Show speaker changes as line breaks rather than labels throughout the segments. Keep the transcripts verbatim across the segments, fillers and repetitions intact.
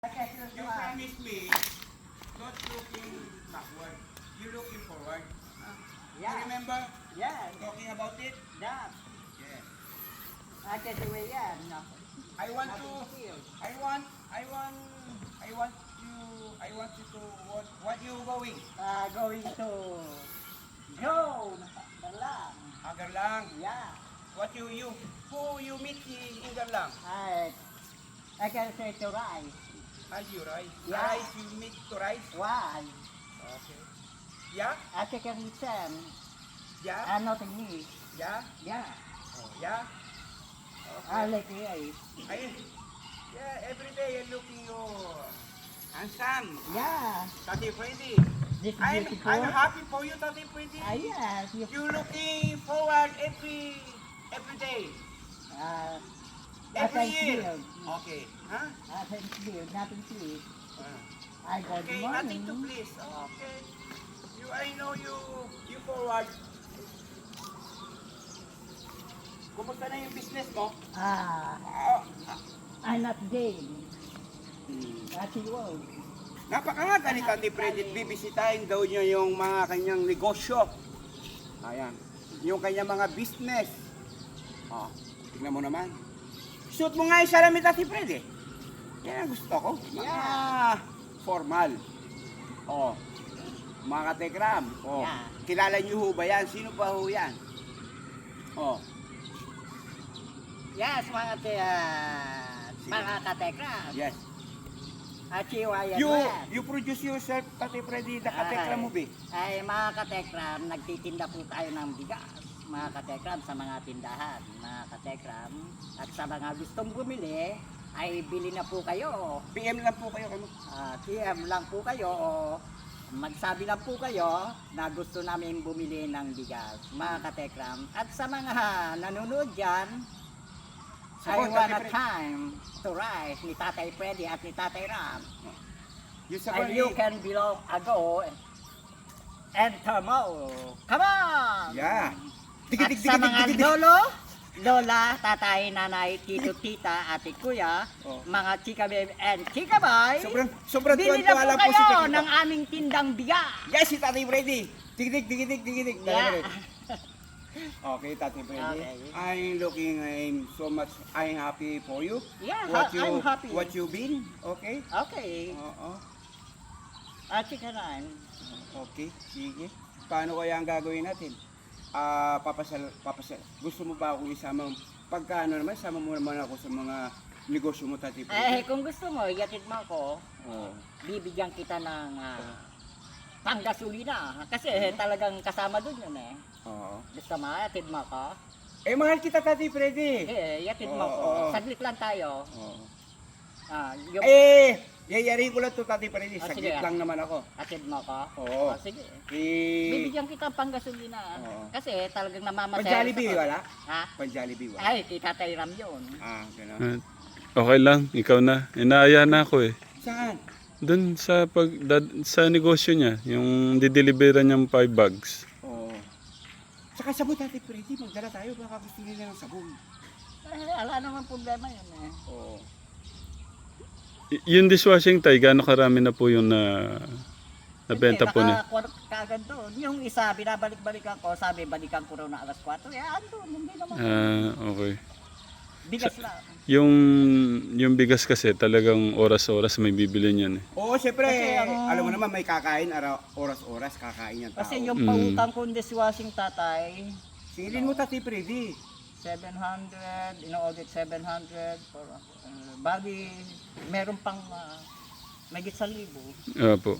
You promise me, not looking backward, you looking forward. You
Yeah,
remember
yeah,
talking about it?
yeah.
Yes.
I can do it, yeah. No,
I want to,
nothing feel.
I want, I want, I want you, I want you to, what, what you going?
Uh, going to go. Dalang.
Agarlang.
Yeah.
What you, you, who you meet in Agarlang?
I, I can say to rise.
Are you right?
Yeah.
Rise, you meet to rise?
Why?
Okay. Yeah?
I can return.
Yeah?
I'm not in need.
Yeah?
Yeah.
Oh, yeah?
I like it.
Ayun. Yeah, every day you're looking you handsome.
Yeah.
Tati Freddy.
This is
I'm,
beautiful.
I'm happy for you, Tati Freddy.
Ah, yes. You,
You looking forward every every day,
uh,
every
thank
year.
you.
Okay. Huh?
I thank you. Nothing please.
Ah.
I got
Okay,
money.
nothing to please. Okay. You, I know you, you forward. Kumusta na yung business mo?
Ah,
Ah,
I'm not game.
hmm.
That's it was.
Napakaaga ni Tati Freddy, bibisitahin daw niya yung mga kanyang negosyo. Ayan, yung kanyang mga business. Oh, tingnan mo naman. Suot mo nga yung salamin, Tati Freddy. Yan ang gusto ko. Mga formal. Oh, mga katekram. Oh,
Yeah.
kilala niyo ho ba yan? Sino ba ho yan? Oh,
Yes, mga te, uh, mga katekram.
yes.
At siwayan
You,
mo yan.
you produce yourself, Tati Freddy, the katekram mo, be.
Ay, mga katekram, nagtitinda po tayo ng bigas. Mga katekram sa mga tindahan. Mga katekram. At sa mga gustong bumili, ay bili na po kayo.
P M lang po kayo. Ano?
Uh, T M lang po kayo o magsabi lang po kayo na gusto namin bumili ng bigas. Mga katekram. At sa mga nanonood dyan, I
Support,
want
Tati
a
Freddy.
time to rise ni Tatay Freddy at ni Tatay Ram.
Yung sa
And you can belong ago and tomorrow. Come on!
Yeah.
At sa mga lolo, lola, tatay, nanay, tito, tita, ate, kuya,
Oh.
mga chika babe and chika boy,
Sobrang, sobrang
bili
tuwan-tuwa
na
lang
po
po si
kayo
Tita.
ng aming tindang bigas.
Yes, si Tati Freddy. Digidig, digidig, digidig.
Yeah.
Okay, Tati Freddy.
Okay.
I'm looking, I'm so much, I'm happy for you.
Yeah,
What
ha-
you,
I'm happy.
What you been, okay?
Okay.
Oo.
At chika rin.
Okay, sige. Paano kaya ang gagawin natin? Ah, papasal, papasal. Gusto mo ba akong isama? Pagka ano naman, sama mo naman ako sa mga negosyo mo, Tati
Eh,
Freddy.
kung gusto mo, iatid mo ako,
Oo.
bibigyan kita ng uh, panggasolina. Kasi talagang kasama dun yun eh.
Oo.
Gusto mo, iatid mo ako?
Eh, mahal kita, Tati Freddy.
Eh, iatid mo
Oo,
ako.
oo.
Saglit lang tayo.
Oo.
Ah, yung
Eh, yayari ko lang to, Tati Freddy.
Ah,
Saglit
sige.
lang naman ako.
atid mo ako?
Oo.
Ah, sige.
Eh,
Bibigyan kita ng panggasolina.
Oo.
Kasi talagang namamasaya.
Pan-Jollibee wala?
Ha?
Pan-Jollibee wala?
Ay, kita tayo ram yun.
Ah, gano'n.
Ah, okay lang, ikaw na. Inaaya na ako eh.
Saan?
Doon sa pag dad, sa negosyo niya, yung dideliveran niyang five bags.
Oo. Saka sabon, Tati Freddy. Magdala tayo. Baka gusto nila ng sabon.
Eh, wala naman problema yun eh.
Oo.
Y- yung dishwashing tay, gaano karami na po yung na nabenta po niya?
Hindi, kagad doon. Yung isa, binabalik-balikan ko, sabi, balikan ko raw na alas kwatro. Eh, andun, hindi naman.
Ah, okay.
Bigas lang.
Yung yung bigas kasi talagang oras-oras may bibili niyan eh.
Oo, syempre.
Kasi ang-
Alam mo naman, may kakain. Araw, oras-oras kakain yung tao.
Kasi yung
Mm.
pautang kong dishwashing tatay,
Singilin mo, Tati Freddy.
seven hundred, ino-audit seven hundred, for, uh, bali, meron pang uh, may sa libo.
Opo.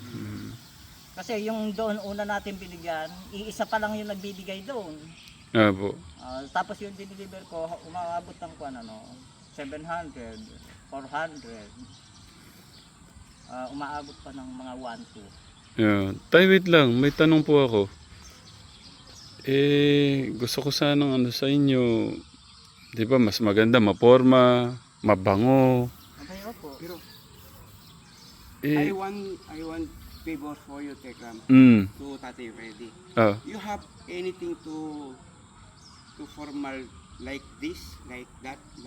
Kasi yung doon una natin binigyan, iisa pa lang yung nagbibigay doon.
Opo.
Ah, tapos yung dinideliver ko, umaabot ng kuan ano, seven hundred, four hundred. Ah, umaabot pa ng mga one two.
Yeah. Tay, wait lang, may tanong po ako. Eh, gusto ko sanang ano sa inyo, di ba mas maganda maporma, mabango.
Okay, opo.
Pero, I
Eh,
want, I want favor for you, Tekram.
mm,
To Tati Freddy.
ah,
You have anything to, to formal like this, like that, like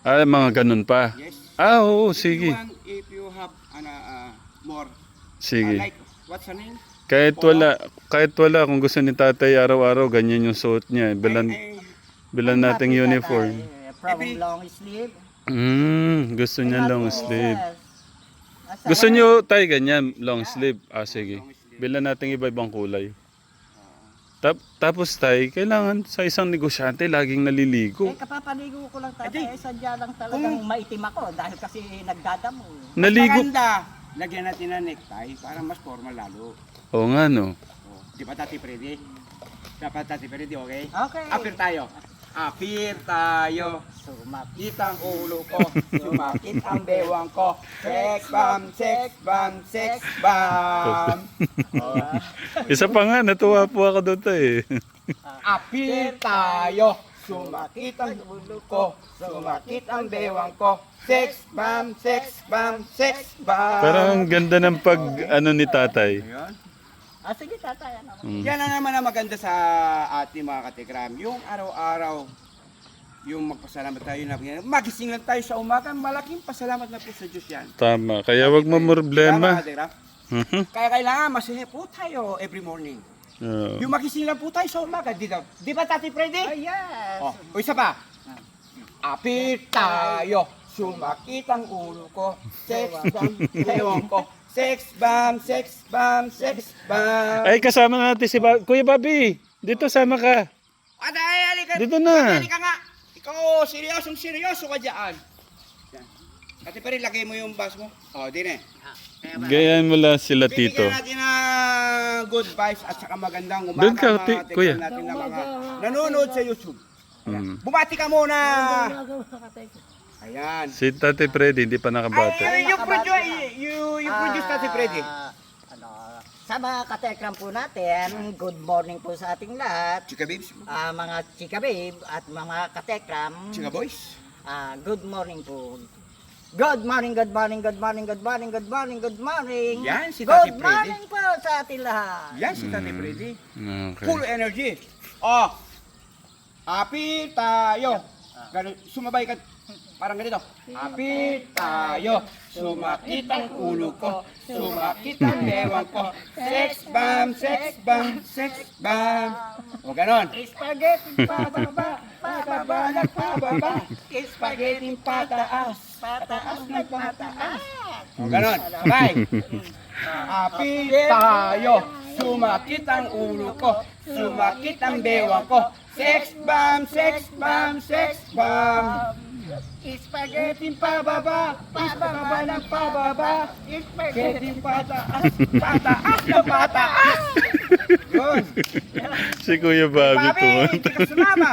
Ah, mga ganun pa.
Yes.
Ah, oo,
If you
sige.
want, if you have ano, ah, more, ah,
Sige.
like, what's her name?
Kahit wala, kahit wala, kung gusto ni tatay araw-araw, ganyan yung suot niya. Bilan,
Ay, ay,
bilan nating
Happy
uniform.
tatay, From
Every-
long sleeve.
Hmm, gusto niya long sleeve.
Yes. Asa-
Gusto niyo tayo ganyan, long sleeve? Ah, sige. Bilan natin iba-ibang kulay. Tap, tapos tay, kailangan sa isang negosyante laging naliligo.
Eh, kapapaligo ko lang tatay.
Adi.
Eh, sadya lang talagang maitim ako dahil kasi nagdadamo.
Naligo.
maganda. Lagyan natin ng necktie para mas formal lalo.
Oo nga no.
Oh, di ba Tati Freddy? Dapat Tati Freddy, okay?
Okay.
Apir tayo. Apir tayo.
Sumakit.
Sumakit ang ulo ko. Sumakit ang bewang ko. Sex bomb, sex bomb, sex bomb. Oh.
Isa pa nga, natuwa po ako doon tay.
Apir tayo. Sumakit ang ulo ko. Sumakit ang bewang ko. Sex bomb, sex bomb, sex bomb.
Parang ang ganda ng pag ano ni tatay.
Ayun.
Ah, sige tatay. Ano?
Mm.
Yan ang naman ang maganda sa ating mga katikram. Yung araw-araw, yung magpasalamat tayo na magising lang tayo sa umaga, malaking pasalamat na po sa Diyos yan.
Tama, kaya wag mo
Tama,
problema.
katikram?
Mhm.
Kaya kailangan masaya po tayo every morning.
Oo.
Yung magising lang po tayo sa umaga, di, ba- di ba Tati Freddy?
Ah, yes.
Oh, o isa pa. Apit tayo, sumakit ang ulo ko, sex bomb, ewan ko. Sex bomb, sex bomb, sex bomb.
Ay, kasama natin si ba- Kuya Bobby. Dito sama ka.
Aday, halika.
Dito na.
Halika nga. Ikaw, seryosong seryoso ka dyan. Yan. Ate pa rin, lagay mo yung bus mo. O, oh, din eh.
Gayan mo lang sila tito.
Bibigyan natin ng good vibes at saka magandang umaga.
Doon ka,
mga
ti-
tignan
kuya.
natin na mga nanonood sa YouTube.
Mm.
Bumati ka muna. Ayan.
Si Tate Freddy, hindi pa
Ay,
nakabate.
ay, you produce, you, you produce Tati Freddy.
Ah, ano, sa mga katekram po natin, good morning po sa ating lahat.
Chika babes,
Ah, mga chika babe at mga katekram,
chika boys.
ah, good morning po. Good morning, good morning, good morning, good morning, good morning, good morning.
Yan, si
Good
Tati Freddy.
morning po sa ating lahat.
Yan si Tati Freddy.
Okay.
Full energy. Oh, happy tayo. Ganun, sumabay ka. Parang ganito. Happy tayo. Sumakit ang ulo ko. Sumakit ang bewang ko. Sex bomb, sex bomb, sex bomb. O ganon.
Spaghetti pababa,
Pababa na pababa. Spaghetti pataas.
pataas na pataas.
O ganon. Sabay. Happy tayo. Sumakit ang ulo ko. Sumakit ang bewang ko. Sex bomb, sex bomb, sex bomb. Spaghetti pababa, pababa ng pababa. Spaghetti pataas, pataas na pataas. Yun.
Si Kuya Bobby
Papi,
po.
hindi ka sumama.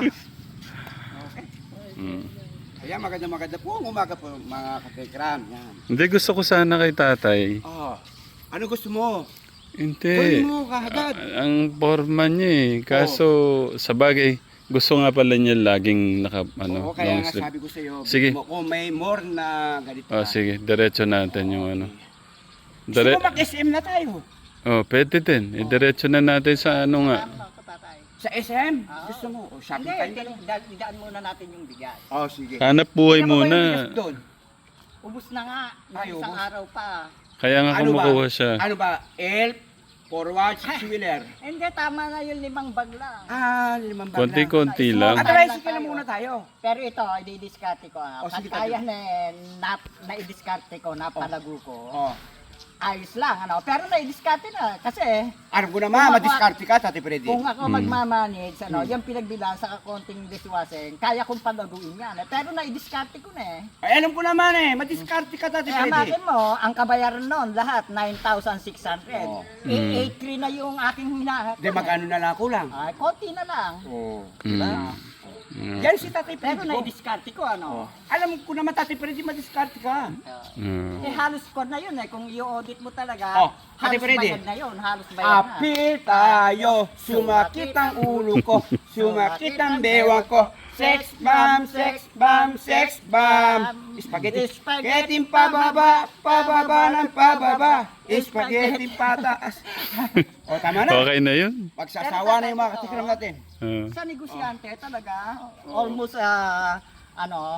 Mm.
Kaya maganda maganda po ang umaga po mga katekram. Yan.
Hindi, gusto ko sana kay tatay.
Oh, ano gusto mo?
Hindi.
Kunin mo kagad.
Ang forma niya eh. Kaso, sa bagay, gusto nga pala niya laging naka, ano,
Oo, kaya
long
nga
sleeve.
sabi ko sa iyo,
Sige.
kung may more na ganito.
Oh, sige, diretso natin yung ano.
Gusto
Dire
mo mag-S M na tayo?
oh, pwede din. Idiretso na natin sa ano nga.
Tama ka, tatay.
Sa S M? Gusto mo? O, shopping
Hindi,
tayo?
daan daan muna natin yung bigas.
Oh, sige.
Hanap buhay
Tingnan mo ba yung
muna.
bigas doon?
Ubus na nga, ng
Ay,
isang
ubus.
araw pa.
Kaya nga
Ano ba?
kumukuha siya.
Ano ba? Elf, forward, six-wheeler.
Hindi, tama na yung limang bag lang.
Ah, limang bag na.
Konti-konti lang.
At tricycle na muna tayo.
Pero ito, i-discarte ko. Ah.
O, sige,
Pagkaya na, na, na-discarte ko, napalago ko.
Oh.
Ayos lang, ano. Pero na-discarte na. Kasi,
Alam ko naman,
Kung ako-
madiskarte ka, Tati Freddy.
kung ako
Mm.
magmamanage, ano, yung pinagbilang sa kakonting dishwashing, kaya kong palaguin yan. Eh. Pero na-discarte ko na eh.
Ay, alam ko naman eh, madiskarte ka, Tati
Eh,
Freddy.
hamakin mo, ang kabayaran noon, lahat, nine thousand six hundred.
Oh.
Eh,
Mm.
eight three na yung aking hinahat.
Di, magkano na lang kulang?
Ay, konti na lang.
Oo.
Mm. Mm.
Yan si Tati
Pero
Freddy ko.
na-discarte ko, ano.
Alam ko naman, Tati Freddy, madiskarte ka.
Mm.
Eh, halos ko na yun eh. Kung i-audit mo talaga,
Oh, Ate
halos
Freddy.
bayad na yun. Halos bayad na.
Apil tayo, sumakit ang ulo ko, sumakit ang bewang ko. Sex bomb, sex bomb, sex bomb. Spaghetti, spaghetti pababa, pababa ng pababa. Spaghetti pataas. O, tama na.
Okay na yun.
Magsasawa na yung mga katikram natin.
Ah.
Sa negosyante talaga, almost, ah, ano,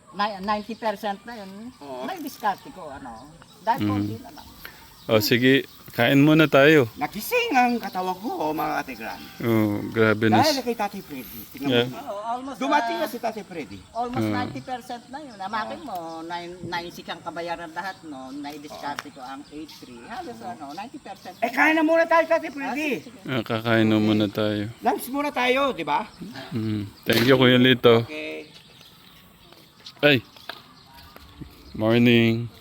ni- ninety percent na yun,
Oo.
may diskarte ko, ano. Dahil
Mm.
konti na lang.
O sige, kain muna tayo.
Nagising ang katawan ko, mga katikram.
Oh, grabe na.
Dahil kay Tatay Freddy. Tingnan
Yeah.
mo.
Oo, almost,
Dumating
ah,
na si Tatay Freddy.
almost
Oo.
ninety percent na yun. Amakin mo, nine, nine six ang kabayaran lahat, no? Nai-discarte ko ang eight three. Halos, ano, ninety percent.
Eh, kain na muna tayo, Tatay
Ah,
Freddy.
sige, sige.
Ah, kakain na muna tayo.
Lunch muna tayo, di ba?
Mm. Thank you, Kuya Lito.
Okay.
Ay! Morning.